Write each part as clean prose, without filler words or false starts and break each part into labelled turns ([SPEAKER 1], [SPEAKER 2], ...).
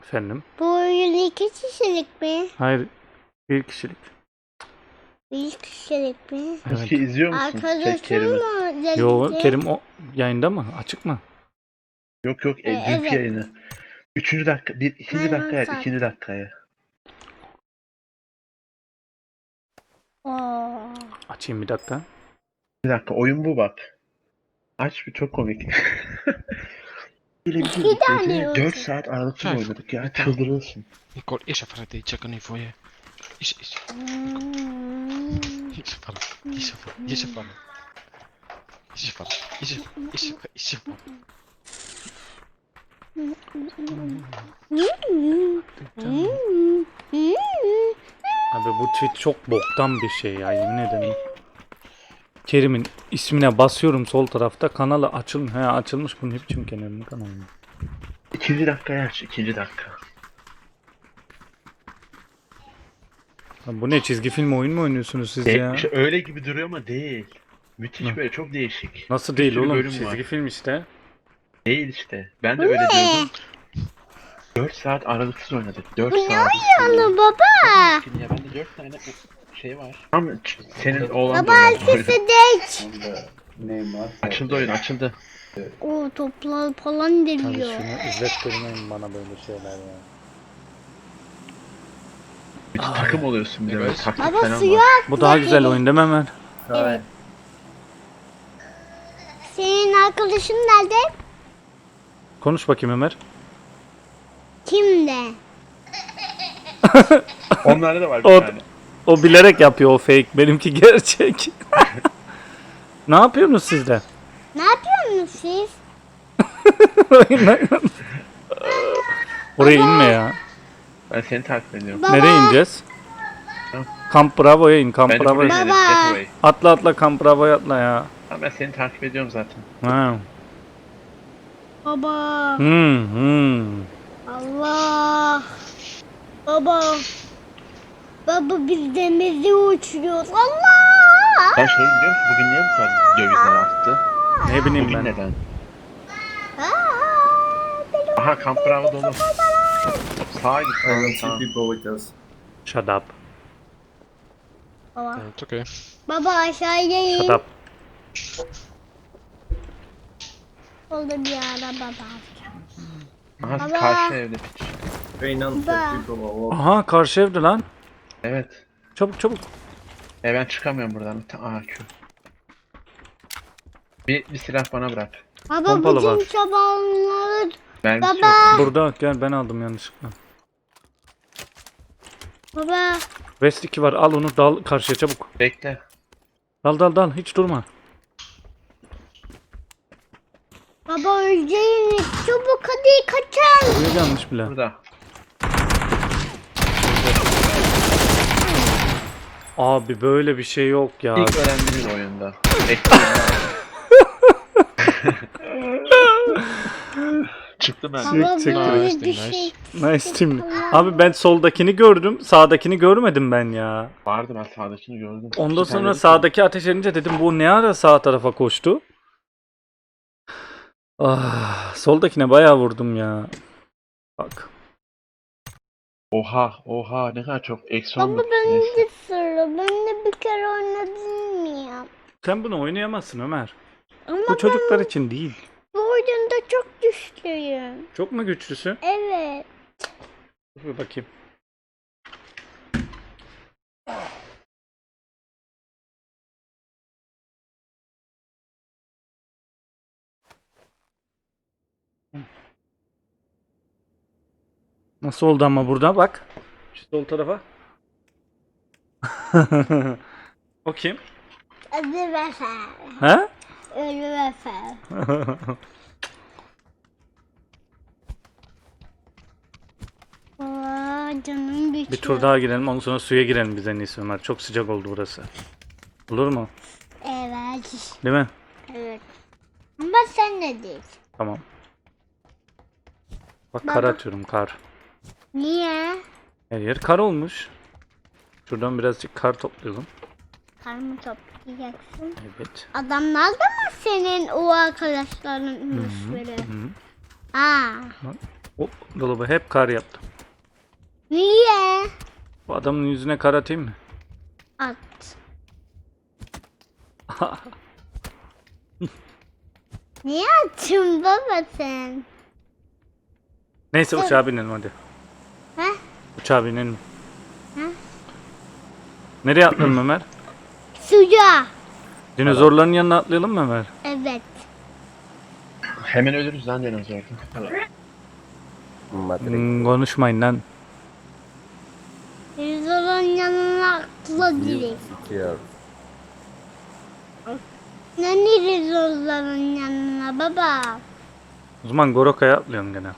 [SPEAKER 1] Efendim?
[SPEAKER 2] Bu oyun 2 kişilik mi?
[SPEAKER 1] Hayır. Bir kişilik.
[SPEAKER 2] 1 kişilik mi?
[SPEAKER 1] Evet.
[SPEAKER 3] Eski izliyor musun?
[SPEAKER 2] Arkadaşım
[SPEAKER 3] Kerim'i.
[SPEAKER 2] mı?
[SPEAKER 1] Yo,
[SPEAKER 2] dedi?
[SPEAKER 1] Kerim o yayında mı? Açık mı?
[SPEAKER 3] Yok yok dünkü
[SPEAKER 2] Evet.
[SPEAKER 3] yayını. Üçüncü dakika, ikinci
[SPEAKER 2] Hemen
[SPEAKER 3] dakikaya,
[SPEAKER 2] saat.
[SPEAKER 3] ikinci dakikaya.
[SPEAKER 2] Oo.
[SPEAKER 1] Açayım bir dakika.
[SPEAKER 3] Bir dakika, oyun bu bak. Aç bir, çok komik. Böyle bir
[SPEAKER 2] İki tane
[SPEAKER 3] gece 4
[SPEAKER 2] yolcu.
[SPEAKER 3] saat aralıksız
[SPEAKER 4] Kijk,
[SPEAKER 3] oynadık ya,
[SPEAKER 4] ik-
[SPEAKER 3] çıldırırsın.
[SPEAKER 4] Ik hoor eerst even die checken nu voor je. Is.
[SPEAKER 2] Hmm.
[SPEAKER 4] Is vallen. Is vallen. Is vallen. Is vallen. Is vallen.
[SPEAKER 1] Abi bu tweet çok boktan bir şey ya, yemin ederim. Kerim'in ismine basıyorum sol tarafta, kanalı açılmış. He, açılmış, bunun ne biçim Kerim'in kanalı.
[SPEAKER 3] İkinci dakikaya aç, ikinci dakika.
[SPEAKER 1] Lan bu ne, çizgi film oyun mu oynuyorsunuz siz ya?
[SPEAKER 3] İşte öyle gibi duruyor ama değil. Müthiş
[SPEAKER 1] Ne?
[SPEAKER 3] böyle, çok değişik.
[SPEAKER 1] Nasıl
[SPEAKER 3] Bir
[SPEAKER 1] değil
[SPEAKER 3] sürü
[SPEAKER 1] oğlum,
[SPEAKER 3] bölüm
[SPEAKER 1] çizgi
[SPEAKER 3] var.
[SPEAKER 1] film işte.
[SPEAKER 3] Değil işte. Ben de öyle diyordum. 4 saat aralıksız oynadık. 4 saat.
[SPEAKER 2] Ana baba.
[SPEAKER 3] Ya bende 4 tane şey var. Ama senin oğlan da
[SPEAKER 2] Baba
[SPEAKER 3] oynadı.
[SPEAKER 2] arkası geç.
[SPEAKER 3] Açıldı oyun, açıldı.
[SPEAKER 2] O toplar falan
[SPEAKER 1] Hadi
[SPEAKER 2] deliyor.
[SPEAKER 1] şunu izlettirmeyin bana böyle şeyler ya.
[SPEAKER 3] Bir takım oluyorsun bir de böyle,
[SPEAKER 4] Evet.
[SPEAKER 3] taktik
[SPEAKER 2] Baba
[SPEAKER 3] falan
[SPEAKER 2] suya
[SPEAKER 3] var.
[SPEAKER 1] Bu daha güzel oyun değil mi Ömer?
[SPEAKER 2] Evet. Senin arkadaşın nerede?
[SPEAKER 1] Konuş bakayım Ömer.
[SPEAKER 2] Kimde?
[SPEAKER 3] Onlarda da var bir
[SPEAKER 1] O,
[SPEAKER 3] tane.
[SPEAKER 1] o bilerek yapıyor, o fake. Benimki gerçek. Ne yapıyorsunuz siz de?
[SPEAKER 2] Ne yapıyorsunuz siz?
[SPEAKER 1] Oraya inme ya.
[SPEAKER 3] Ben seni takip ediyorum.
[SPEAKER 2] Baba.
[SPEAKER 1] Nereye ineceğiz? Kamp Bravo'ya in. Kamp
[SPEAKER 3] Bence
[SPEAKER 1] Bravo'ya
[SPEAKER 3] buraya
[SPEAKER 1] in.
[SPEAKER 3] inelim,
[SPEAKER 2] Baba.
[SPEAKER 3] Getaway.
[SPEAKER 1] Atla Kamp Bravo'ya atla ya.
[SPEAKER 3] Ha, ben seni takip ediyorum zaten.
[SPEAKER 1] Ha.
[SPEAKER 2] Baba.
[SPEAKER 1] Hmm.
[SPEAKER 2] Allah. Baba. Baba biz denize uçuyoruz. Allah.
[SPEAKER 3] Ben şey biliyor musun? Bugün niye bu kadar dövizler arttı?
[SPEAKER 1] Ne bileyim
[SPEAKER 3] Bugün
[SPEAKER 1] ben.
[SPEAKER 3] neden?
[SPEAKER 2] Aa,
[SPEAKER 3] Aha, Kamp Bravo dolu. Sağa git,
[SPEAKER 5] I don't
[SPEAKER 3] sağa.
[SPEAKER 5] see people with us.
[SPEAKER 1] Shut up.
[SPEAKER 2] Baba.
[SPEAKER 4] Het oké.
[SPEAKER 2] Baba aşağıya in.
[SPEAKER 1] Shut up.
[SPEAKER 2] Oldu bir araba var.
[SPEAKER 3] Aha,
[SPEAKER 2] Baba.
[SPEAKER 3] karşı evde piç.
[SPEAKER 5] Very non-fit
[SPEAKER 2] Baba.
[SPEAKER 5] people are walking.
[SPEAKER 1] Aha, karşı evde lan.
[SPEAKER 3] Evet.
[SPEAKER 1] Çabuk.
[SPEAKER 3] Ben çıkamıyorum buradan. Aha, Q. Bir silah bana bırak.
[SPEAKER 2] Baba
[SPEAKER 1] Pompalı
[SPEAKER 2] bütün
[SPEAKER 1] var.
[SPEAKER 2] çobanları.
[SPEAKER 3] Mermisi
[SPEAKER 2] Baba.
[SPEAKER 3] yok.
[SPEAKER 1] Burada gel, ben aldım yanlışlıkla.
[SPEAKER 2] Baba.
[SPEAKER 1] West 2 var, al onu, dal karşıya çabuk.
[SPEAKER 3] Bekle.
[SPEAKER 1] Dal hiç durma.
[SPEAKER 2] Baba öleceğini çabuk hadi kaçın.
[SPEAKER 1] Buraya gelmiş bile.
[SPEAKER 3] Burada.
[SPEAKER 1] Abi böyle bir şey yok ya.
[SPEAKER 3] İlk öğrendiğimiz oyunda. Bekliyorum. Çıktı ben.
[SPEAKER 2] Baba
[SPEAKER 1] çek,
[SPEAKER 2] böyle
[SPEAKER 4] çek.
[SPEAKER 2] bir
[SPEAKER 4] Nice.
[SPEAKER 2] şey.
[SPEAKER 1] Nice team. Abi ben soldakini gördüm. Sağdakini görmedim ben ya.
[SPEAKER 3] Vardı, ben sağdakini gördüm.
[SPEAKER 1] Ondan
[SPEAKER 3] İki
[SPEAKER 1] sonra
[SPEAKER 3] tane
[SPEAKER 1] sağdaki ateş edince dedim bu ne ara sağ tarafa koştu. Ah, soldakine bayağı vurdum ya. Bak.
[SPEAKER 3] Oha, ne kadar çok. Eksi
[SPEAKER 2] Baba
[SPEAKER 3] 19.
[SPEAKER 2] ben
[SPEAKER 3] Neyse.
[SPEAKER 2] de sıra. Ben de bir kere oynadım mıyım?
[SPEAKER 1] Sen bunu oynayamazsın Ömer.
[SPEAKER 2] Ama
[SPEAKER 1] Bu çocuklar için değil.
[SPEAKER 2] bu oyunda çok güçlüyüm.
[SPEAKER 1] Çok mu güçlüsün?
[SPEAKER 2] Evet.
[SPEAKER 1] Dur bir bakayım. Nasıl oldu ama burada bak. Şu sol tarafa. O kim?
[SPEAKER 2] Hadi vefer.
[SPEAKER 1] He?
[SPEAKER 2] Ölü vefer. Aa, canım bitiyor.
[SPEAKER 1] Bir tur daha girelim, ondan sonra suya girelim biz en iyisi Ömer. Çok sıcak oldu burası. Olur mu?
[SPEAKER 2] Evet.
[SPEAKER 1] Değil mi?
[SPEAKER 2] Evet. Ama sen ne diyorsun?
[SPEAKER 1] Tamam. Bak, kar
[SPEAKER 2] Baba.
[SPEAKER 1] atıyorum, kar.
[SPEAKER 2] Niye?
[SPEAKER 1] Her yer kar olmuş. Şuradan birazcık kar toplayalım.
[SPEAKER 2] Kar mı toplayacaksın?
[SPEAKER 1] Evet.
[SPEAKER 2] Adamlar da mı senin o arkadaşlarınmış böyle?
[SPEAKER 1] Hı.
[SPEAKER 2] Aa.
[SPEAKER 1] O dolabı hep kar yaptım.
[SPEAKER 2] Niye?
[SPEAKER 1] Bu adamın yüzüne kar atayım mı?
[SPEAKER 2] At. Niye attın baba sen?
[SPEAKER 1] Neyse uçağa binelim hadi.
[SPEAKER 2] He?
[SPEAKER 1] Uçağa binelim.
[SPEAKER 2] He?
[SPEAKER 1] Nereye atlayalım Ömer?
[SPEAKER 2] Suya.
[SPEAKER 1] Dinozorların yanına atlayalım mı Ömer?
[SPEAKER 2] Evet.
[SPEAKER 3] Hemen ölürüz lan dinozorda.
[SPEAKER 1] Konuşmayın lan.
[SPEAKER 2] Rizol'un yanına atla direkt. Nani Rizol'ların yanına baba?
[SPEAKER 1] O zaman Goroka'ya atlayalım gene.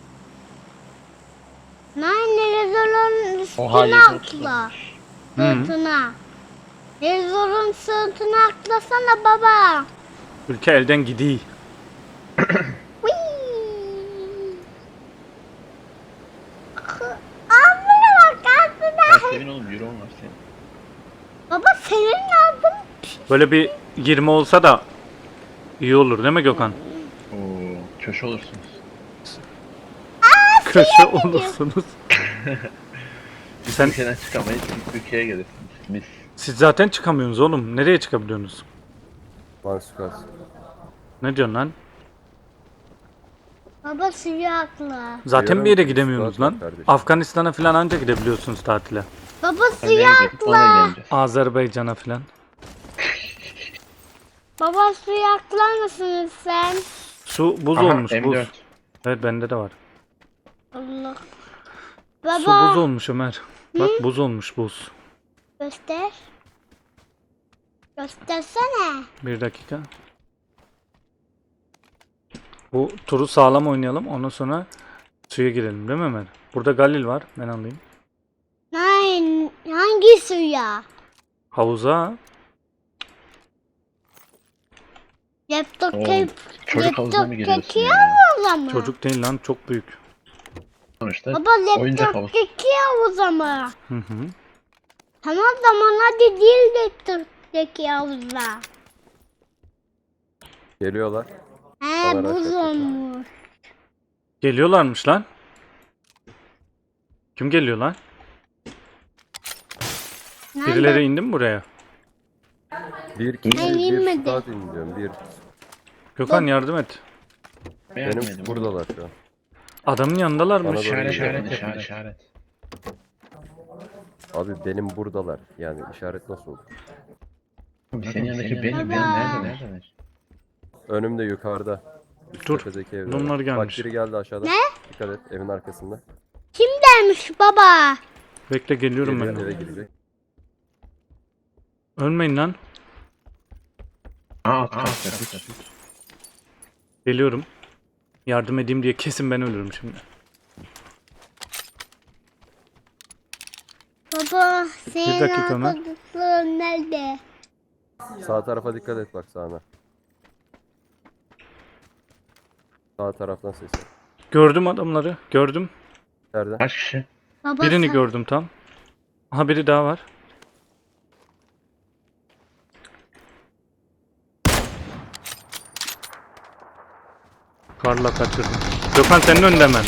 [SPEAKER 2] Nani Rizol'un
[SPEAKER 3] Oha
[SPEAKER 2] üstüne
[SPEAKER 3] 730
[SPEAKER 2] atla.
[SPEAKER 3] olmuş.
[SPEAKER 2] Sırtına. Rizol'un sırtına atlasana baba.
[SPEAKER 1] Ülke elden gidiyor.
[SPEAKER 2] Ağzına bak ağzına.
[SPEAKER 3] Ya senin oğlum euro var senin.
[SPEAKER 2] Baba senin ağzın.
[SPEAKER 1] Böyle bir 20 olsa da iyi olur değil mi Gökhan?
[SPEAKER 3] Oo, köşe olursunuz.
[SPEAKER 1] Köşe olursunuz. Sen,
[SPEAKER 3] Ülkeden çıkamayız, ülkeye gelirsiniz. Mis.
[SPEAKER 1] siz zaten çıkamıyorsunuz oğlum. Nereye çıkabiliyorsunuz? Ne diyorsun lan?
[SPEAKER 2] Baba suya atla.
[SPEAKER 1] Zaten bir yere gidemiyorsunuz
[SPEAKER 5] Suat
[SPEAKER 1] lan.
[SPEAKER 5] kardeşim.
[SPEAKER 1] Afganistan'a falan anca gidebiliyorsunuz tatile.
[SPEAKER 2] Baba
[SPEAKER 3] Nereye
[SPEAKER 2] suya
[SPEAKER 3] gidelim? Ona geleceğiz.
[SPEAKER 1] Azerbaycan'a falan.
[SPEAKER 2] Baba suya atlar mısınız sen?
[SPEAKER 1] Su buz
[SPEAKER 3] Aha,
[SPEAKER 1] olmuş
[SPEAKER 3] M4.
[SPEAKER 1] buz. Evet bende de var.
[SPEAKER 2] Allah.
[SPEAKER 1] Su buz
[SPEAKER 2] Baba
[SPEAKER 1] olmuş Ömer. Bak buz olmuş buz.
[SPEAKER 2] göster. Göstersene.
[SPEAKER 1] Bir dakika. Bu turu sağlam oynayalım. Ondan sonra suya girelim değil mi Ömer? Burada Galil var. Ben alayım.
[SPEAKER 2] Nein, hangi suya?
[SPEAKER 1] Havuza.
[SPEAKER 2] Laptop
[SPEAKER 3] Oğlum, çocuk havuzuna mı giriyorsun
[SPEAKER 2] çekiyor
[SPEAKER 3] ya?
[SPEAKER 2] havuza mı?
[SPEAKER 1] Çocuk değil lan çok büyük.
[SPEAKER 3] Sonuçta
[SPEAKER 2] Baba
[SPEAKER 3] oyuncak
[SPEAKER 2] laptop
[SPEAKER 3] havuz.
[SPEAKER 2] çekiyor havuza mı?
[SPEAKER 1] Hı hı.
[SPEAKER 2] Tamam zaman hadi değil laptop çekiyor havuza.
[SPEAKER 5] Geliyorlar.
[SPEAKER 2] He
[SPEAKER 5] Bana
[SPEAKER 2] buz
[SPEAKER 5] rahat
[SPEAKER 2] olmuş.
[SPEAKER 1] Geliyorlarmış lan. Kim geliyor lan?
[SPEAKER 2] Nerede?
[SPEAKER 1] Birileri indi mi buraya?
[SPEAKER 5] Bir kişi
[SPEAKER 2] Ben
[SPEAKER 5] bir
[SPEAKER 2] inmedim.
[SPEAKER 5] stat indiriyorum. Bir.
[SPEAKER 1] Gökhan yardım et.
[SPEAKER 3] Beğenmedim
[SPEAKER 5] Benim
[SPEAKER 3] oğlum.
[SPEAKER 5] buradalar şu an.
[SPEAKER 1] Adamın yanındalarmış.
[SPEAKER 5] Bana doğru
[SPEAKER 3] İşaret,
[SPEAKER 5] geliyor.
[SPEAKER 3] işaret.
[SPEAKER 5] Abi benim buradalar. Yani işaret nasıl olur?
[SPEAKER 3] Senin yanındaki benim
[SPEAKER 2] Baba.
[SPEAKER 3] nerede?
[SPEAKER 5] Önümde yukarıda. Üst
[SPEAKER 1] Dur,
[SPEAKER 5] tepedeki evde.
[SPEAKER 1] bunlar
[SPEAKER 5] Bak
[SPEAKER 1] gelmiş.
[SPEAKER 5] biri geldi aşağıda.
[SPEAKER 2] Ne?
[SPEAKER 5] Dikkat et evin arkasında.
[SPEAKER 2] Kim dermiş baba?
[SPEAKER 1] Bekle geliyorum ben.
[SPEAKER 5] Geliyor,
[SPEAKER 1] de.
[SPEAKER 5] eve girecek.
[SPEAKER 1] Ölmeyin lan.
[SPEAKER 3] Aa, kat.
[SPEAKER 1] Geliyorum. Yardım edeyim diye kesin ben ölürüm şimdi.
[SPEAKER 2] Baba senin
[SPEAKER 1] dakika Ömer.
[SPEAKER 2] arkadaşların nerede?
[SPEAKER 5] Sağ tarafa dikkat et bak sağına. Sağ taraftan ses.
[SPEAKER 1] Gördüm adamları. Gördüm.
[SPEAKER 5] Nerede?
[SPEAKER 3] Kaç kişi?
[SPEAKER 2] Baba
[SPEAKER 1] Birini
[SPEAKER 2] sen-
[SPEAKER 1] gördüm tam. Aha biri daha var. Karla kaçırdım. Gökhan senin önünde hemen.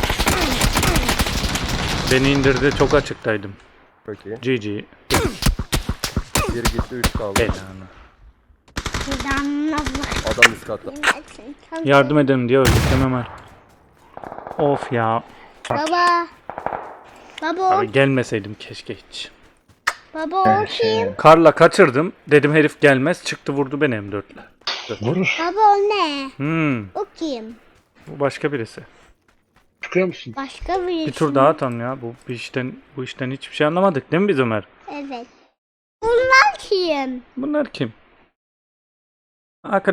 [SPEAKER 1] Beni indirdi. Çok açıktaydım.
[SPEAKER 5] Çok iyi.
[SPEAKER 1] GG.
[SPEAKER 5] Bir gitti 3 kaldı.
[SPEAKER 1] Belanı.
[SPEAKER 2] Fidanla bak.
[SPEAKER 5] Adam üst katta.
[SPEAKER 1] Yardım edelim diye öldük değil mi Ömer? Of ya.
[SPEAKER 2] Baba. Baba
[SPEAKER 1] Abi gelmeseydim keşke hiç.
[SPEAKER 2] baba o kim?
[SPEAKER 1] Karla kaçırdım. Dedim herif gelmez. Çıktı vurdu beni M4'le.
[SPEAKER 3] Vurur.
[SPEAKER 2] Baba o ne?
[SPEAKER 1] Hmm.
[SPEAKER 2] O kim?
[SPEAKER 1] Bu başka birisi.
[SPEAKER 3] Çıkıyor musun?
[SPEAKER 2] Başka bir
[SPEAKER 1] Bir tur daha atalım ya. Bu işten hiçbir şey anlamadık değil mi biz Ömer?
[SPEAKER 2] Evet. Bunlar kim?
[SPEAKER 1] Bunlar kim? Arkadaşlarım.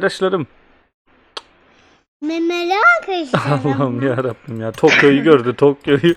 [SPEAKER 2] Memeli arkadaşlar.
[SPEAKER 1] Allah'ım ya Rabbim ya. Tokyo'yu gördü Tokyo'yu.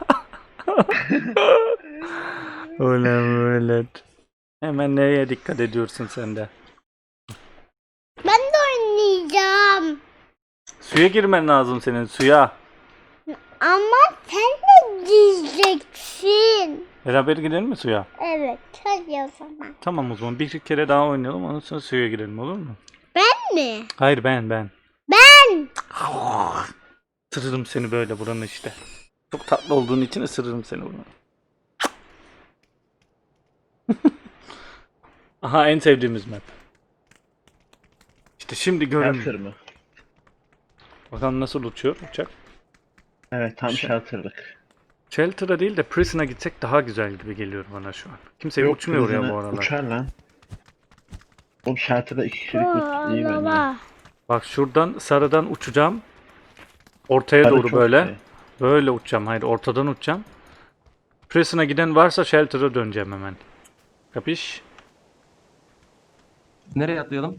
[SPEAKER 1] Öyle. Hemen neye dikkat ediyorsun sen de?
[SPEAKER 2] Ben de oynayacağım.
[SPEAKER 1] Suya girmen lazım senin suya.
[SPEAKER 2] Ama sen de diyeceksin.
[SPEAKER 1] Beraber gidelim mi suya?
[SPEAKER 2] Evet. Hadi o zaman.
[SPEAKER 1] Tamam o zaman bir kere daha oynayalım ondan sonra suya girelim olur mu?
[SPEAKER 2] Ben mi?
[SPEAKER 1] Hayır ben.
[SPEAKER 2] Ben.
[SPEAKER 1] Isırırım seni böyle buranın işte. Çok tatlı olduğun için ısırırım seni buranın. Aha en sevdiğimiz map. İşte şimdi görün.
[SPEAKER 3] Shelter mı?
[SPEAKER 1] Bakalım nasıl uçuyor uçak.
[SPEAKER 3] Evet tam
[SPEAKER 1] Şey-
[SPEAKER 3] shelter'lık.
[SPEAKER 1] Shelter'a değil de Prison'a gitsek daha güzel gibi geliyor bana şu an. Kimse uçmuyor oraya
[SPEAKER 3] Prisoner
[SPEAKER 1] bu aralar.
[SPEAKER 3] Uçar lan. Oğlum shelter'da 2 kişilik
[SPEAKER 2] Oo,
[SPEAKER 3] loot iyi bence.
[SPEAKER 2] baba.
[SPEAKER 1] Bak şuradan sarıdan uçacağım. Ortaya
[SPEAKER 3] Sarı
[SPEAKER 1] doğru
[SPEAKER 3] çok
[SPEAKER 1] böyle.
[SPEAKER 3] iyi.
[SPEAKER 1] Böyle uçacağım. Hayır ortadan uçacağım. Prison'a giden varsa Shelter'a döneceğim hemen. Kapış?
[SPEAKER 6] Nereye atlayalım?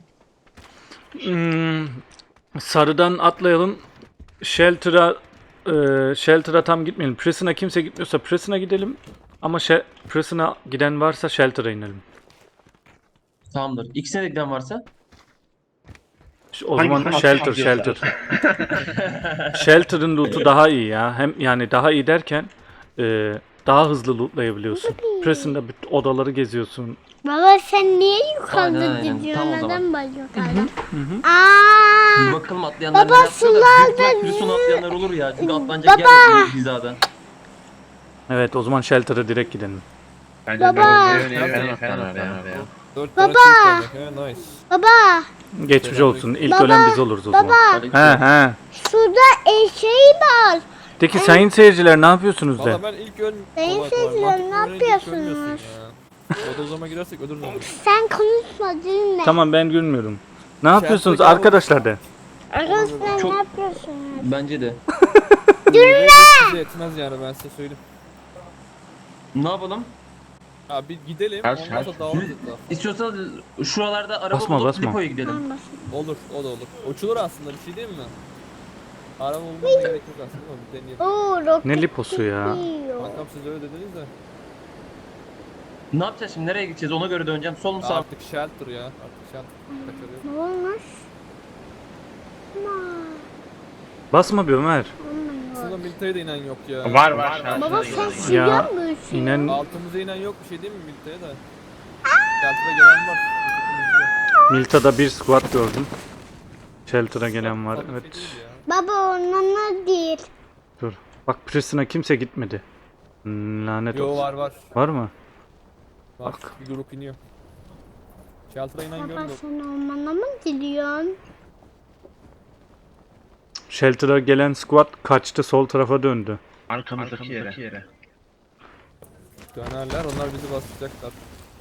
[SPEAKER 1] Sarıdan atlayalım. Shelter'a tam gitmeyelim. Prison'a kimse gitmiyorsa Prison'a gidelim. Ama Prison'a giden varsa Shelter'a inelim.
[SPEAKER 6] Tamamdır. İkisine de giden varsa?
[SPEAKER 1] O
[SPEAKER 3] Hangisini
[SPEAKER 1] zaman Shelter,
[SPEAKER 3] atacağız
[SPEAKER 1] Shelter. Shelter'ın loot'u daha iyi ya. Hem yani daha iyi derken daha hızlı lootlayabiliyorsun. Prison'da bütün odaları geziyorsun.
[SPEAKER 2] Baba sen niye yukarıda
[SPEAKER 6] Aynen, aynen.
[SPEAKER 2] gidiyorsun?
[SPEAKER 6] Tam o zaman.
[SPEAKER 2] Neden ben yukarıda?
[SPEAKER 6] Bir
[SPEAKER 2] Aaa.
[SPEAKER 6] bakalım atlayanlar
[SPEAKER 2] Baba,
[SPEAKER 6] ne yapıyor da. Büyük
[SPEAKER 2] sularda
[SPEAKER 6] ihtimal Prison atlayanlar olur ya. Çünkü atlanacak yer
[SPEAKER 2] Baba.
[SPEAKER 6] yok bu hizada.
[SPEAKER 1] Evet o zaman Shelter'a direkt gidelim.
[SPEAKER 3] Bence
[SPEAKER 2] Baba.
[SPEAKER 3] ben oraya.
[SPEAKER 7] 4
[SPEAKER 2] Baba.
[SPEAKER 7] tane çift tane. Nice.
[SPEAKER 2] Baba
[SPEAKER 1] Geçmiş olsun. İlk
[SPEAKER 2] Baba.
[SPEAKER 1] ölen biz oluruz o zaman.
[SPEAKER 2] baba
[SPEAKER 1] He.
[SPEAKER 2] şurada şey var.
[SPEAKER 1] Peki sayın seyirciler ne yapıyorsunuz de?
[SPEAKER 7] Valla ben ilk
[SPEAKER 2] Sayın
[SPEAKER 7] Kolay
[SPEAKER 2] seyirciler,
[SPEAKER 7] kolay.
[SPEAKER 2] ne
[SPEAKER 7] Mantıklı öğrenci ilk
[SPEAKER 2] yapıyorsunuz?
[SPEAKER 7] ölmüyorsun ya. Bodozlama girersek ölürüz onu.
[SPEAKER 2] Sen konuşma dinle.
[SPEAKER 1] Tamam ben gülmüyorum. Ne yapıyorsunuz
[SPEAKER 7] Shelter'daki
[SPEAKER 1] arkadaşlar de?
[SPEAKER 2] Arkadaşlar
[SPEAKER 6] Çok-
[SPEAKER 2] ne yapıyorsunuz?
[SPEAKER 6] Bence de.
[SPEAKER 7] Size yetmez yani ben size söyleyeyim.
[SPEAKER 6] Ne yapalım?
[SPEAKER 7] Ya bir gidelim
[SPEAKER 3] Her
[SPEAKER 7] ondan
[SPEAKER 3] şey-
[SPEAKER 7] sonra dağılırız etrafı.
[SPEAKER 6] İstiyorsanız şuralarda araba
[SPEAKER 1] Basma,
[SPEAKER 6] bulup
[SPEAKER 1] basma.
[SPEAKER 6] depoya gidelim.
[SPEAKER 2] Tamam, basın.
[SPEAKER 7] Olur o da olur. Uçulur aslında bir şey değil mi? Araba bulmaya gerek yok aslında ama bir deneyelim.
[SPEAKER 2] Oo, roket
[SPEAKER 1] Ne liposu ya?
[SPEAKER 2] gidiyor.
[SPEAKER 7] Bakalım siz öyle dediniz de.
[SPEAKER 6] Ne yapacağız şimdi? Nereye gideceğiz? Ona göre döneceğim. Sol mu sağ mı?
[SPEAKER 7] Artık shelter ya. Artık shelter kaçırıyor.
[SPEAKER 2] Ne olmuş? Aman,
[SPEAKER 1] Basma bir Ömer.
[SPEAKER 7] Aslında militeye de inen yok ya.
[SPEAKER 3] Var.
[SPEAKER 2] Baba
[SPEAKER 3] shelter'da
[SPEAKER 2] sen
[SPEAKER 3] gidelim.
[SPEAKER 1] Ya,
[SPEAKER 2] sürüyor musun?
[SPEAKER 1] İnen
[SPEAKER 7] Altımıza inen yok bir şey değil mi militeye de? Shelter'a gelen var.
[SPEAKER 1] Milta'da bir squad gördüm. Shelter'a gelen var.
[SPEAKER 7] Tabii şey
[SPEAKER 1] Evet.
[SPEAKER 7] değil ya.
[SPEAKER 2] Baba onunla değil.
[SPEAKER 1] Dur. Bak Prison'a kimse gitmedi. Lanet
[SPEAKER 7] Yo
[SPEAKER 1] olsun.
[SPEAKER 7] var.
[SPEAKER 1] Var mı?
[SPEAKER 7] Bak. Bir grup iniyor. Shelter'a inen
[SPEAKER 2] Baba
[SPEAKER 7] görmedim.
[SPEAKER 2] sen ormana mı gidiyorsun?
[SPEAKER 1] Shelter'a gelen squad kaçtı sol tarafa döndü.
[SPEAKER 3] Arkamızdaki yere.
[SPEAKER 7] Dönerler onlar bizi basacaklar.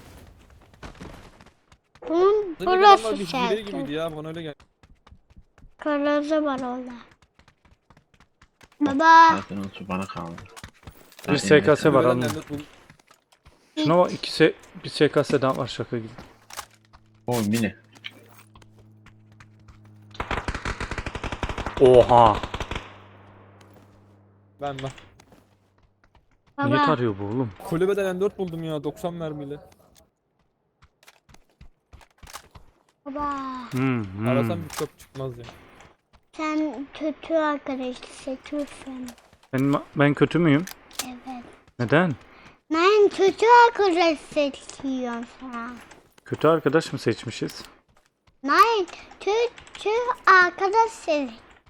[SPEAKER 2] Bunun
[SPEAKER 7] Sanki adamlar
[SPEAKER 2] burası
[SPEAKER 7] bir hile gibiydi
[SPEAKER 2] şarkı.
[SPEAKER 7] ya bana öyle geldi.
[SPEAKER 2] Kırmızı var orada. Baba.
[SPEAKER 3] Zaten o bana kaldı.
[SPEAKER 1] Bir SKS var
[SPEAKER 7] Gören
[SPEAKER 1] alın.
[SPEAKER 7] lanet bul-
[SPEAKER 1] Şuna bak bir SKS daha var şaka gibi.
[SPEAKER 3] O mini.
[SPEAKER 1] Oha.
[SPEAKER 7] Ben.
[SPEAKER 1] Niye
[SPEAKER 2] Baba.
[SPEAKER 1] tarıyor bu oğlum?
[SPEAKER 7] Kulübeden M4 buldum ya 90 mermiyle.
[SPEAKER 2] Baba.
[SPEAKER 7] Arasam bir top çıkmaz ya.
[SPEAKER 2] Sen kötü arkadaş seçiyorsun.
[SPEAKER 1] Ben kötü müyüm?
[SPEAKER 2] Evet.
[SPEAKER 1] Neden?
[SPEAKER 2] Ben kötü arkadaş seçiyorum sana.
[SPEAKER 1] Kötü arkadaş mı seçmişiz?
[SPEAKER 2] Nein, kötü arkadaş seç.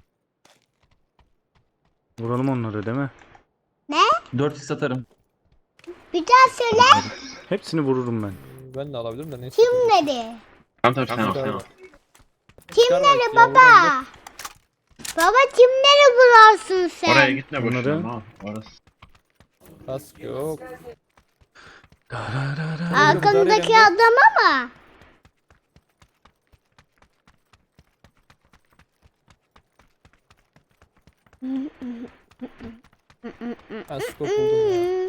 [SPEAKER 1] Vuralım onları değil mi?
[SPEAKER 6] 4x atarım.
[SPEAKER 2] Bir daha söyle.
[SPEAKER 1] Hepsini vururum ben.
[SPEAKER 7] Ben de alabilirim de neyse.
[SPEAKER 2] Kim dedi?
[SPEAKER 3] Tamam sen al.
[SPEAKER 2] Kimleri baba? Baba kimleri bularsın sen?
[SPEAKER 3] Oraya gitme
[SPEAKER 1] Bunları-
[SPEAKER 3] boşuna. Al. Orası.
[SPEAKER 7] Kask yok.
[SPEAKER 2] Arkandaki adama mı?
[SPEAKER 7] Ben skop buldum ya.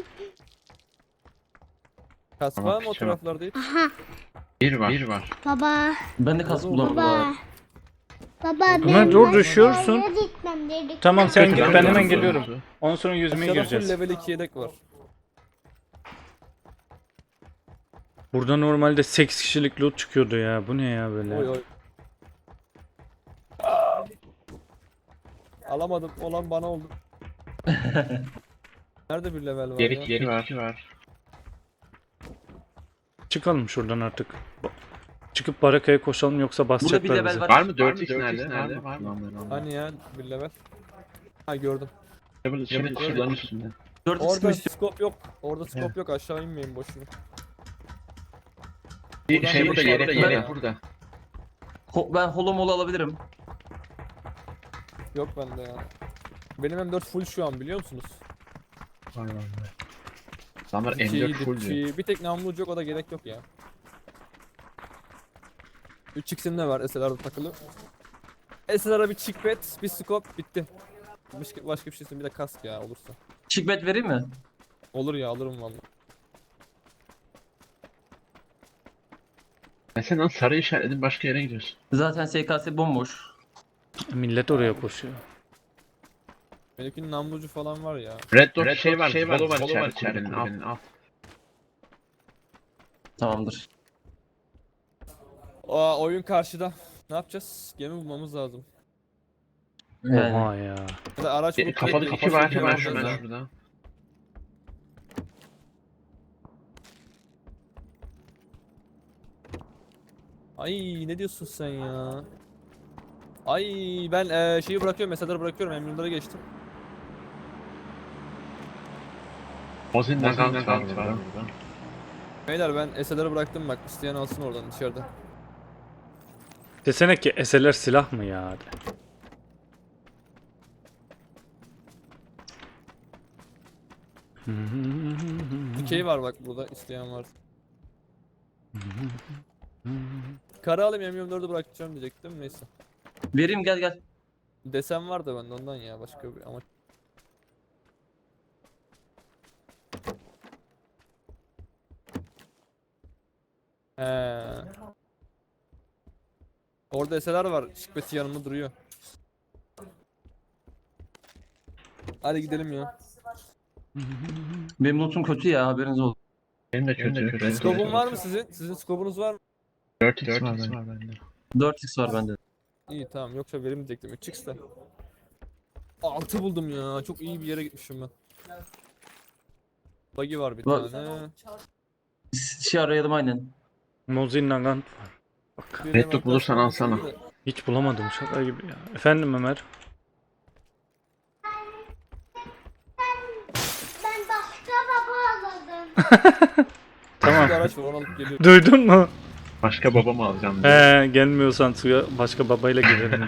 [SPEAKER 7] Kask
[SPEAKER 3] Tamam,
[SPEAKER 7] var mı o
[SPEAKER 3] tamam.
[SPEAKER 7] taraflarda hiç?
[SPEAKER 2] Aha,
[SPEAKER 3] Bir var.
[SPEAKER 2] baba,
[SPEAKER 6] Ben de kask bulamadım.
[SPEAKER 2] baba. Baba
[SPEAKER 1] Ömer, dur, düşüyorsun.
[SPEAKER 2] aşağıya gitmem dedik.
[SPEAKER 1] Tamam sen
[SPEAKER 3] Kötü
[SPEAKER 1] git
[SPEAKER 3] ben
[SPEAKER 1] ben
[SPEAKER 3] de
[SPEAKER 1] hemen
[SPEAKER 3] vururum.
[SPEAKER 1] geliyorum. Ondan sonra yüzmeye
[SPEAKER 7] Aşağıda full
[SPEAKER 1] gireceğiz.
[SPEAKER 7] level 2 yedek var.
[SPEAKER 1] Burada normalde 8 kişilik loot çıkıyordu ya. Bu ne ya böyle?
[SPEAKER 7] Oy oy. Alamadım. Olan bana oldu. Nerede bir level var ya?
[SPEAKER 3] Geri var.
[SPEAKER 1] Çıkalım şuradan artık. Çıkıp barakaya koşalım yoksa
[SPEAKER 6] Burada bir
[SPEAKER 1] basacaklar
[SPEAKER 6] level
[SPEAKER 1] bizi.
[SPEAKER 6] var.
[SPEAKER 3] Var mı? 4x nerede? Var mı?
[SPEAKER 7] Hani ya bir level. Ha gördüm.
[SPEAKER 3] Şimdi şuradan üstünde.
[SPEAKER 6] 4x mi
[SPEAKER 7] Orada
[SPEAKER 6] istiyor?
[SPEAKER 7] scope yok. Orada scope yok. Aşağı inmeyin boşuna.
[SPEAKER 3] Bir şey burada yelek burada.
[SPEAKER 6] Ben holo molo alabilirim.
[SPEAKER 7] Yok bende ya. Benim M4 full şu an biliyor musunuz?
[SPEAKER 3] Adamlar M4 full diyor.
[SPEAKER 7] Bir tek namlucu yok, o da gerek yok ya. 3x'im de var SLR'da takılı. SLR'a bir chickpad, bir scope bitti. Başka bir şey istiyorum, bir de kask ya olursa.
[SPEAKER 6] Chickbet vereyim mi?
[SPEAKER 7] Olur ya, alırım vallahi.
[SPEAKER 3] Sen lan sarı işaretledin başka yere gidiyorsun.
[SPEAKER 6] Zaten SKS bomboş.
[SPEAKER 1] Millet oraya koşuyor.
[SPEAKER 7] Benimkinin namlucu falan var ya.
[SPEAKER 3] Red Dot şey var içerinin al.
[SPEAKER 6] Tamamdır.
[SPEAKER 7] Aa, oyun karşıda. Ne yapacağız? Gemi bulmamız lazım.
[SPEAKER 6] Yani.
[SPEAKER 1] Oha ya.
[SPEAKER 7] Ya da araç bulup
[SPEAKER 3] Kapalı
[SPEAKER 7] direkt
[SPEAKER 3] kişi var
[SPEAKER 7] gemi
[SPEAKER 3] hemen
[SPEAKER 7] bulmamız lazım.
[SPEAKER 3] şurada.
[SPEAKER 7] Ay ne diyorsun sen ya? Ay ben şeyi bırakıyorum, mesajları bırakıyorum, emrimlere geçtim.
[SPEAKER 3] Ozin Nagant var burada.
[SPEAKER 7] Beyler ben SLR'ı bıraktım, bak isteyen alsın oradan dışarıda.
[SPEAKER 1] Desene ki SLR silah mı ya? De.
[SPEAKER 7] Dikey var bak burada, isteyen var. Kara alayım, M24'ü bırakacağım diyecektim, neyse.
[SPEAKER 6] Vereyim, gel.
[SPEAKER 7] Desen var da bende ondan ya, başka bir amaç. He. Orada SLR var, şıkbeti yanımda duruyor. Hadi gidelim ya.
[SPEAKER 6] Benim lootum kötü ya, haberiniz olsun.
[SPEAKER 3] Benim de kötü.
[SPEAKER 7] Scope'un var mı sizin? Sizin scope'unuz var mı?
[SPEAKER 3] 4x var bende.
[SPEAKER 6] 4x var bende.
[SPEAKER 7] İyi tamam, yoksa verim diyecektim 3x'te. 6 buldum ya, çok iyi bir yere gitmişim ben. Buggy var bir
[SPEAKER 6] Var.
[SPEAKER 7] tane.
[SPEAKER 6] Şey arayalım aynen.
[SPEAKER 1] Mozin Nagant var. Bak.
[SPEAKER 7] Bir
[SPEAKER 3] Red
[SPEAKER 7] de
[SPEAKER 3] Dot bulursan alsana.
[SPEAKER 1] Hiç bulamadım şaka gibi ya. Efendim Ömer.
[SPEAKER 2] Ben başka baba aldım.
[SPEAKER 1] Tamam.
[SPEAKER 7] Bir araç var, onu alıp geliyorum.
[SPEAKER 1] Duydun mu?
[SPEAKER 3] Başka babamı alacağım diyor.
[SPEAKER 1] He, gelmiyorsan suya başka babayla girelim.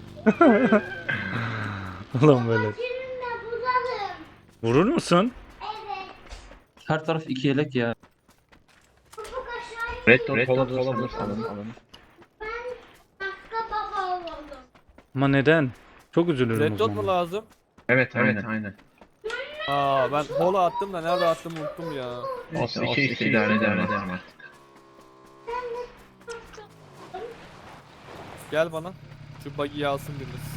[SPEAKER 1] Ulan böyle.
[SPEAKER 2] Seninle bulalım.
[SPEAKER 1] Vurur musun?
[SPEAKER 2] Evet.
[SPEAKER 6] Her taraf 2 yelek ya.
[SPEAKER 2] Ufuk aşağıya.
[SPEAKER 3] Red Dot bulursan alın.
[SPEAKER 2] Ben başka baba oldum.
[SPEAKER 1] Ama neden? Çok üzülürüm
[SPEAKER 7] Red
[SPEAKER 1] o
[SPEAKER 7] dot mu
[SPEAKER 1] zaman.
[SPEAKER 7] lazım?
[SPEAKER 3] Evet aynen.
[SPEAKER 7] Aa ben hola attım da nerede attım unuttum ya.
[SPEAKER 3] Olsun 2x idare ederim artık.
[SPEAKER 7] Gel bana. Şu buggy'yi alsın biriniz.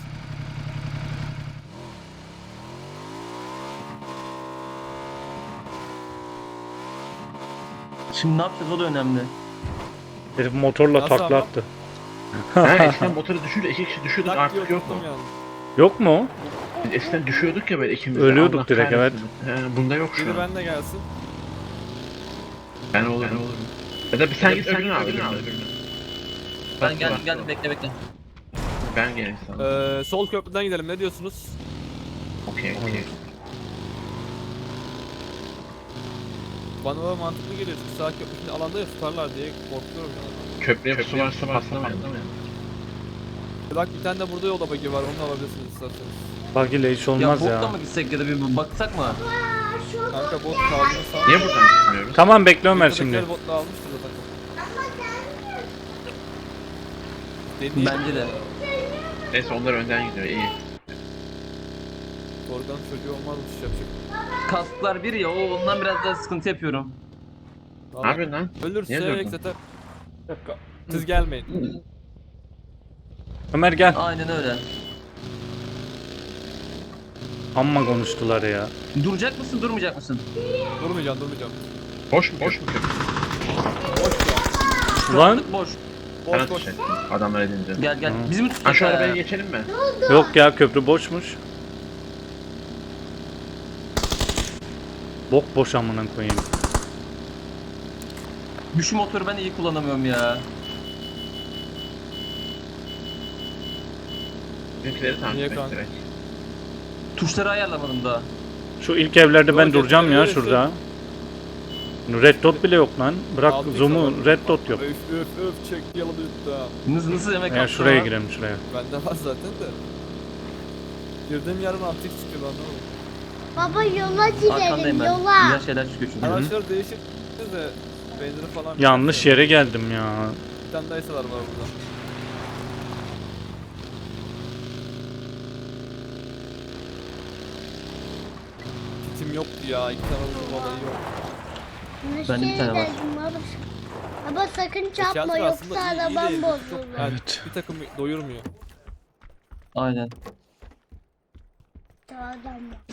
[SPEAKER 6] Şimdi ne yapacağız, o da önemli.
[SPEAKER 1] Herif motorla
[SPEAKER 7] Nasıl
[SPEAKER 1] takla
[SPEAKER 7] ama?
[SPEAKER 1] attı.
[SPEAKER 3] Ha eskiden motoru düşünce 2 kişi düşüyorduk
[SPEAKER 7] Tak diye
[SPEAKER 3] artık yok mu?
[SPEAKER 7] oturttum yani.
[SPEAKER 1] Yok mu?
[SPEAKER 3] Biz eskiden düşüyorduk ya böyle ikimiz de.
[SPEAKER 1] Ölüyorduk
[SPEAKER 3] Allah
[SPEAKER 1] direkt,
[SPEAKER 3] kahretsin. Bunda yok şu
[SPEAKER 7] Biri
[SPEAKER 3] an.
[SPEAKER 7] benle gelsin.
[SPEAKER 3] Ben olurum. Ya da bir sen git öbürünü al.
[SPEAKER 6] Ben geldim bekle.
[SPEAKER 3] Ben geleyim sana.
[SPEAKER 7] Sol köprüden gidelim, ne diyorsunuz?
[SPEAKER 3] Okey.
[SPEAKER 7] Bana da mantıklı geliyor çünkü sağ köprünün alanda ya tutarlar diye korkuyorum ya.
[SPEAKER 3] Köprüye su varsa patlamayalım.
[SPEAKER 7] Bak bir tane de burada yolda buggy var, onu alabilirsiniz isterseniz.
[SPEAKER 1] Bak ile hiç
[SPEAKER 6] Ya
[SPEAKER 1] olmaz
[SPEAKER 6] botla
[SPEAKER 1] ya.
[SPEAKER 6] mı gitsek ya da bir baksak mı?
[SPEAKER 7] Kanka bot kaldığını sağ.
[SPEAKER 3] Niye buradan gitmiyoruz?
[SPEAKER 1] Tamam bekle Ömer şimdi.
[SPEAKER 7] Buradakiler botla almıştır zaten. Deneyim.
[SPEAKER 6] Bence de.
[SPEAKER 3] Neyse onlar önden gidiyor iyi.
[SPEAKER 7] Oradan çocuğu olmazmış yapacak.
[SPEAKER 6] Kasklar bir ya, ondan biraz daha sıkıntı yapıyorum.
[SPEAKER 3] Ne yapıyorsun lan? Niye
[SPEAKER 7] Ölürse
[SPEAKER 3] durdun?
[SPEAKER 7] ekseter. Siz gelmeyin.
[SPEAKER 1] Ömer gel.
[SPEAKER 6] Aynen öyle.
[SPEAKER 1] Amma konuştular ya.
[SPEAKER 6] Duracak mısın, durmayacak mısın?
[SPEAKER 7] Durmayacağım.
[SPEAKER 3] Boş mu köprü?
[SPEAKER 1] Lan
[SPEAKER 6] Boş.
[SPEAKER 3] Sana
[SPEAKER 7] Boş boş.
[SPEAKER 3] tutacak. Adamlar edince.
[SPEAKER 6] Gel. Bizi mi
[SPEAKER 3] Ha
[SPEAKER 6] tutacak?
[SPEAKER 3] şu arabaya geçelim mi?
[SPEAKER 1] yok ya, köprü boşmuş. Bok boş amına koyayım.
[SPEAKER 6] Şu motoru ben iyi kullanamıyorum ya.
[SPEAKER 3] Bizimkileri takip
[SPEAKER 7] Niye
[SPEAKER 3] et
[SPEAKER 7] kanka?
[SPEAKER 3] direkt.
[SPEAKER 6] Tuşları ayarlamadım daha.
[SPEAKER 1] Şu ilk evlerde ben
[SPEAKER 7] Yok,
[SPEAKER 1] duracağım ya
[SPEAKER 7] öyle
[SPEAKER 1] şurada. Red dot bile yok lan. Bırak
[SPEAKER 7] Altı
[SPEAKER 1] zoom'u,
[SPEAKER 7] yüz
[SPEAKER 1] red dot yok.
[SPEAKER 7] Öf çek yalı yutta.
[SPEAKER 6] Nasıl yemek
[SPEAKER 1] Ya
[SPEAKER 6] yaptın
[SPEAKER 1] şuraya
[SPEAKER 6] ama?
[SPEAKER 1] girelim şuraya.
[SPEAKER 7] Bende var zaten de. Girdiğim yerden antik çıkıyor lan ne oldu?
[SPEAKER 2] Baba yola gidelim
[SPEAKER 6] Arkandayım ben.
[SPEAKER 2] yola.
[SPEAKER 6] Güzel şeyler çıkıyor çünkü.
[SPEAKER 7] Araçlar değişik de benzeri falan.
[SPEAKER 1] Yanlış yere geldim ya.
[SPEAKER 7] Bir tane daha eseler var burada. Kitim yoktu ya. 2 tane uzun balayı yok.
[SPEAKER 6] Bende bir tane var.
[SPEAKER 2] Baba. Baba sakın çarpma
[SPEAKER 7] Eşyaltı
[SPEAKER 2] yoksa
[SPEAKER 7] aslında iyi
[SPEAKER 2] arabam
[SPEAKER 7] değil.
[SPEAKER 2] bozulur.
[SPEAKER 7] Çok, yani
[SPEAKER 1] Evet.
[SPEAKER 7] bir takım doyurmuyor.
[SPEAKER 6] Aynen.
[SPEAKER 2] Adam var.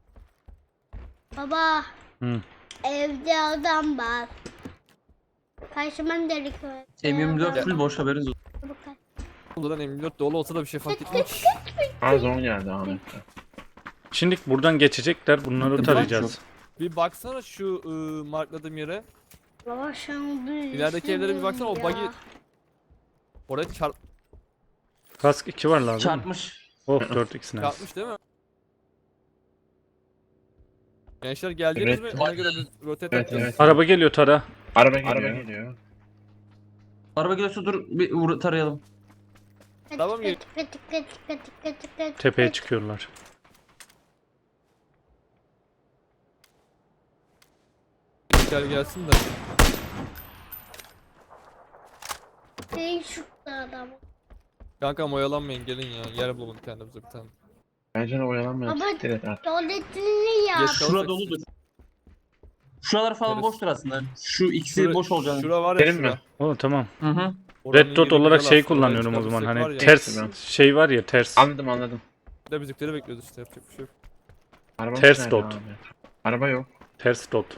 [SPEAKER 2] Baba
[SPEAKER 1] Hı.
[SPEAKER 2] evde adam var. Karşıman delik var.
[SPEAKER 6] M24 full boş haberiniz olsun.
[SPEAKER 7] Buradan M24 dolu olsa da bir şey fark etmez.
[SPEAKER 3] Az 10 geldi Ahmet.
[SPEAKER 1] Şimdi buradan geçecekler. Bunları
[SPEAKER 6] Bak
[SPEAKER 1] tarayacağız.
[SPEAKER 7] Bir baksana şu markladığım yere.
[SPEAKER 2] Baba sen bir
[SPEAKER 7] İlerideki evlere bir baksana, o
[SPEAKER 2] ya.
[SPEAKER 7] buggy- Oraya
[SPEAKER 1] Kask 2 var lazım.
[SPEAKER 6] Çarpmış.
[SPEAKER 1] Oh 4x nice.
[SPEAKER 7] çarpmış değil mi? Gençler geldiniz
[SPEAKER 3] Evet.
[SPEAKER 7] mi? Ona göre bir rotate
[SPEAKER 3] Evet,
[SPEAKER 7] yapacağız.
[SPEAKER 3] evet.
[SPEAKER 1] Araba geliyor tara.
[SPEAKER 3] Araba geliyor.
[SPEAKER 6] Araba geliyorsa dur bir tarayalım.
[SPEAKER 7] Tamam, gel.
[SPEAKER 1] Tepeye çıkıyorlar.
[SPEAKER 7] Gel gelsin de.
[SPEAKER 2] Değil şu adam.
[SPEAKER 7] Kanka oyalanmayın gelin ya. Yer bulalım kendimize bir tane.
[SPEAKER 3] Bence de oyalanmayalım.
[SPEAKER 2] Ama-
[SPEAKER 3] Siktir et artık.
[SPEAKER 2] Tuvaletini yap.
[SPEAKER 7] Geç
[SPEAKER 6] Şura
[SPEAKER 7] kalırsak-
[SPEAKER 6] doludur. Şuralar falan
[SPEAKER 7] Neresi?
[SPEAKER 6] boştur aslında. Şu ikisi
[SPEAKER 7] Şura-
[SPEAKER 6] boş olacağını.
[SPEAKER 7] Şura var ya
[SPEAKER 3] Benim
[SPEAKER 7] şura.
[SPEAKER 3] mi?
[SPEAKER 1] Oh tamam.
[SPEAKER 6] Hı hı.
[SPEAKER 7] Oranın
[SPEAKER 1] Red dot
[SPEAKER 7] yeri
[SPEAKER 1] olarak
[SPEAKER 7] güzel
[SPEAKER 1] şey
[SPEAKER 7] aslında, oraya
[SPEAKER 1] kullanıyorum o zaman.
[SPEAKER 7] çıkabilsek var
[SPEAKER 1] Hani
[SPEAKER 7] ya.
[SPEAKER 1] ters
[SPEAKER 3] Ben-
[SPEAKER 1] şey var ya ters.
[SPEAKER 3] Anladım.
[SPEAKER 7] Bir de bizimkileri bekliyoruz işte, yapacak bir şey yok.
[SPEAKER 3] Arabamız
[SPEAKER 1] Ters
[SPEAKER 3] nerede
[SPEAKER 1] dot.
[SPEAKER 3] abi? Araba yok.
[SPEAKER 1] Ters dot.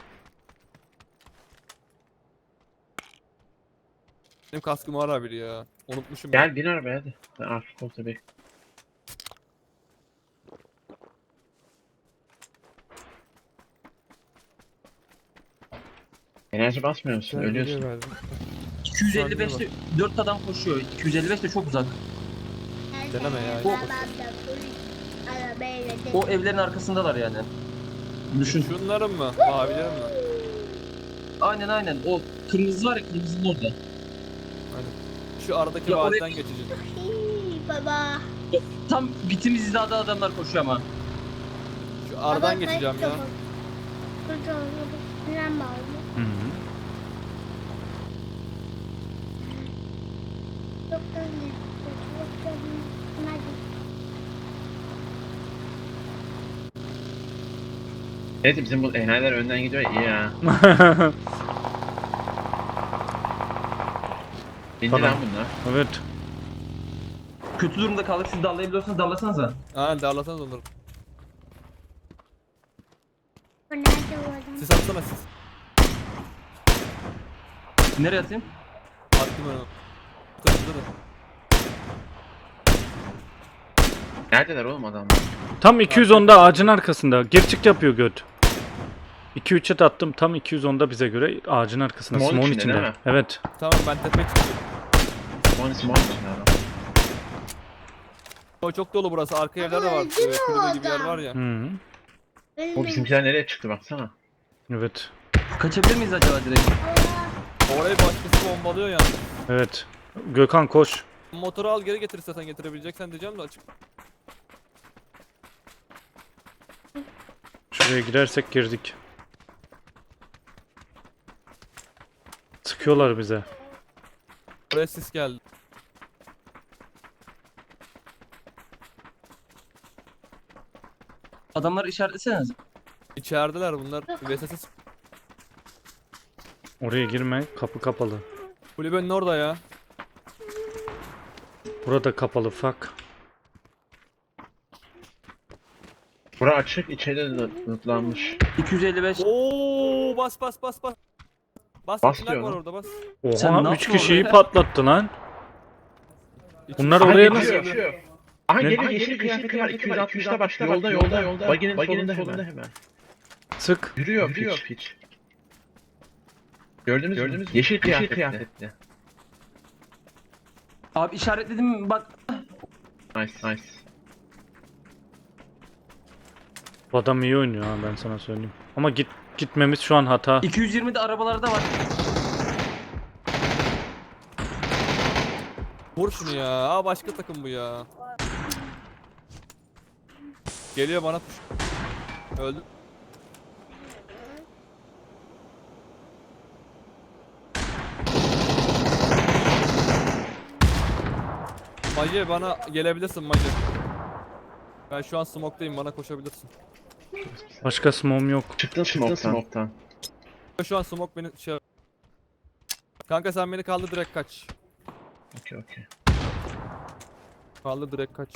[SPEAKER 7] Benim kaskım var abi ya. Unutmuşum.
[SPEAKER 3] Gel bin arabaya hadi. Sen arka koltuğa bek. Enerji basmıyor musun?
[SPEAKER 7] Ben
[SPEAKER 3] Ölüyorsun.
[SPEAKER 7] video verdim.
[SPEAKER 6] 255'te 4 adam koşuyor. 255 de çok uzak.
[SPEAKER 7] Deneme ya.
[SPEAKER 2] Arabayla
[SPEAKER 6] O evlerin arkasındalar yani. Düşün.
[SPEAKER 7] Şunların mı? Mavilerin mi?
[SPEAKER 6] Aynen. O kırmızı var ya, kırmızının orada.
[SPEAKER 7] Şu aradaki
[SPEAKER 6] Ya oraya-
[SPEAKER 7] vadiden geçeceğiz.
[SPEAKER 2] Baba.
[SPEAKER 6] Tam bitimiz hizada adamlar koşuyor ama.
[SPEAKER 7] Şu aradan geçeceğim ya.
[SPEAKER 1] Hı -hı.
[SPEAKER 3] Evet bizim bu enayiler önden gidiyor ya, iyi ya. İndi
[SPEAKER 1] Tamam.
[SPEAKER 3] lan bunlar.
[SPEAKER 1] Evet.
[SPEAKER 6] Kötü durumda kaldık. Siz dallayabiliyorsanız dallasanıza.
[SPEAKER 7] Ha darlasanız onları.
[SPEAKER 2] Nerede o adam?
[SPEAKER 7] Siz atsana siz.
[SPEAKER 6] Nereye atayım?
[SPEAKER 7] Attım ben onu. Bu tarafta da.
[SPEAKER 3] Neredeler oğlum adamlar?
[SPEAKER 1] Tam 210'da ağacın arkasında. Gerçek yapıyor göt. 2-3'e de attım. Tam 210'da bize göre ağacın arkasında.
[SPEAKER 3] Smoke'un
[SPEAKER 1] Smoke'un
[SPEAKER 3] içinde
[SPEAKER 1] içinde.
[SPEAKER 3] değil mi?
[SPEAKER 1] Evet.
[SPEAKER 7] Tamam ben tepeye çıkıyorum.
[SPEAKER 3] Small içinde adam.
[SPEAKER 7] O çok dolu burası. Arka evler de var.
[SPEAKER 2] öldü mü
[SPEAKER 7] Kulübe gibi yer
[SPEAKER 2] adam?
[SPEAKER 7] var ya.
[SPEAKER 1] Hı -hı.
[SPEAKER 3] O bizimkiler nereye çıktı baksana.
[SPEAKER 1] Evet.
[SPEAKER 6] Kaçabilir miyiz acaba direkt?
[SPEAKER 7] Orayı başkası bombalıyor yani.
[SPEAKER 1] Evet. Gökhan koş.
[SPEAKER 7] Motoru al geri getir zaten, getirebileceksen diyeceğim de açık.
[SPEAKER 1] Şuraya girersek girdik. Sıkıyorlar bize.
[SPEAKER 7] Buraya sis geldi.
[SPEAKER 6] Adamları işaretleseniz.
[SPEAKER 7] İçerideler bunlar. VSS
[SPEAKER 1] Oraya girme. Kapı kapalı.
[SPEAKER 7] kulübenin orada ya.
[SPEAKER 1] Burada kapalı. Fuck.
[SPEAKER 3] Bura açık, içeride de lootlanmış.
[SPEAKER 6] 255.
[SPEAKER 7] Oo bas. Bas
[SPEAKER 3] Bas
[SPEAKER 7] içinden
[SPEAKER 3] diyor
[SPEAKER 7] var
[SPEAKER 3] lan.
[SPEAKER 7] orada bas.
[SPEAKER 6] Sen
[SPEAKER 1] Oha
[SPEAKER 6] ne
[SPEAKER 1] 3
[SPEAKER 6] yaptın
[SPEAKER 1] kişiyi
[SPEAKER 6] oraya?
[SPEAKER 1] patlattı lan. Bunlar
[SPEAKER 3] Aha,
[SPEAKER 1] oraya
[SPEAKER 3] geçiyor,
[SPEAKER 1] nasıl?
[SPEAKER 3] geçiyor. Aha
[SPEAKER 1] Ne?
[SPEAKER 3] geliyor, yeşil kıyafeti var. 260'ta bak. Yolda. Baginin solunda hemen.
[SPEAKER 1] Sık.
[SPEAKER 3] Yürüyor piç. Gördünüz mü? Yeşil kıyafetli.
[SPEAKER 6] Abi işaretledim bak.
[SPEAKER 3] Nice.
[SPEAKER 1] Bu adam iyi oynuyor ha, ben sana söyleyeyim. Ama gitmemiz şu an hata.
[SPEAKER 6] 220'de arabalarda var.
[SPEAKER 7] Vur şunu ya. Aa başka takım bu ya. Geliyor bana push. Öldü. Magi bana gelebilirsin Magi. Ben şu an smoke'dayım, bana koşabilirsin.
[SPEAKER 1] Başka smoke'um yok.
[SPEAKER 3] Çıktın smoke'tan.
[SPEAKER 7] Şu an smoke beni şey... Kanka sen beni kaldır, direkt kaç.
[SPEAKER 3] Okey.
[SPEAKER 7] Kaldır, direkt kaç.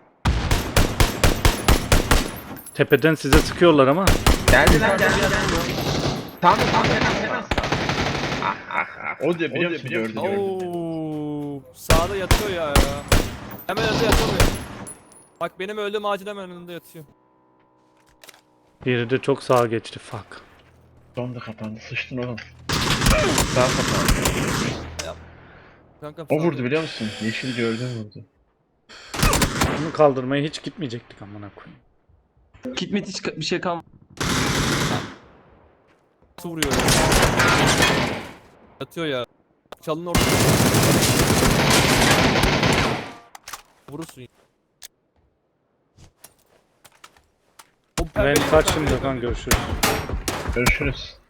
[SPEAKER 1] Tepeden size sıkıyorlar ama.
[SPEAKER 3] Geldi. Tamam fena. Ah. O diyor biliyor musun? Gördü.
[SPEAKER 7] Oo, sağda yatıyor ya. Hemen önünde yatıyor. Bak benim öldüğüm ağacın hemen önünde yatıyor.
[SPEAKER 1] Biri de çok sağa geçti. Fuck.
[SPEAKER 3] Son da kapandı. Sıçtın oğlum. Daha kapandı.
[SPEAKER 7] Kanka
[SPEAKER 3] O vurdu biliyor musun? Yeşil gördüm vurdu.
[SPEAKER 1] Bunu kaldırmaya hiç gitmeyecektik amına koyayım.
[SPEAKER 6] Kitmit hiç bir şey kalmadı.
[SPEAKER 7] Nasıl vuruyor ya? Yatıyor ya. Çalın orada. Vurursun. O
[SPEAKER 1] Ben
[SPEAKER 7] pembe-
[SPEAKER 1] kaç şimdi Gökhan, görüşürüz.
[SPEAKER 3] Görüşürüz.